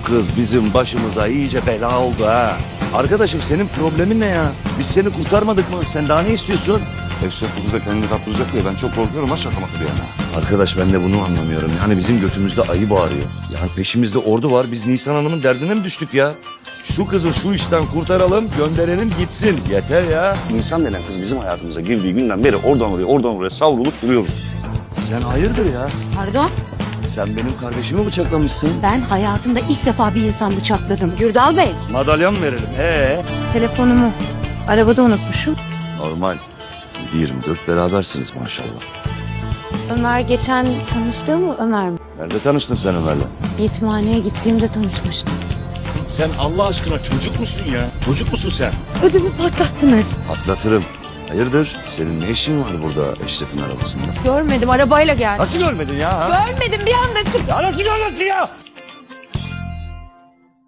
kız bizim başımıza iyice bela oldu ha. Arkadaşım senin problemin ne ya? Biz seni kurtarmadık mı? Sen daha ne istiyorsun? Eşref bu kıza kendini kaptıracak diye ben çok korkuyorum ha şaka maka bir yana. Arkadaş ben de bunu anlamıyorum. Yani bizim götümüzde ayı bağırıyor. Yani peşimizde ordu var. Biz Nisan Hanım'ın derdine mi düştük ya? Şu kızı şu işten kurtaralım, gönderelim gitsin. Yeter ya. Nisan denen kız bizim hayatımıza girdiği günden beri oradan oraya savrulup duruyoruz. Sen hayırdır ya? Pardon, Sen benim kardeşimi bıçaklamışsın. ben hayatımda ilk defa bir insan bıçakladım. Gürdal Bey. Madalya mı verelim? Telefonumu arabada unutmuşum. Normal. 24 berabersiniz maşallah. Ömer geçen tanıştı mı Ömer mi? Nerede tanıştın sen Ömer'le? Yetimhaneye gittiğimde tanışmıştım. Sen Allah aşkına çocuk musun ya? Çocuk musun sen? Ödümü patlattınız. Atlatırım. Hayırdır? Senin ne işin var burada Eşref'in arabasında? Görmedim, arabayla geldi. Nasıl görmedin ya? Görmedim, bir anda çıktı. Ya nasıl görmedin ya?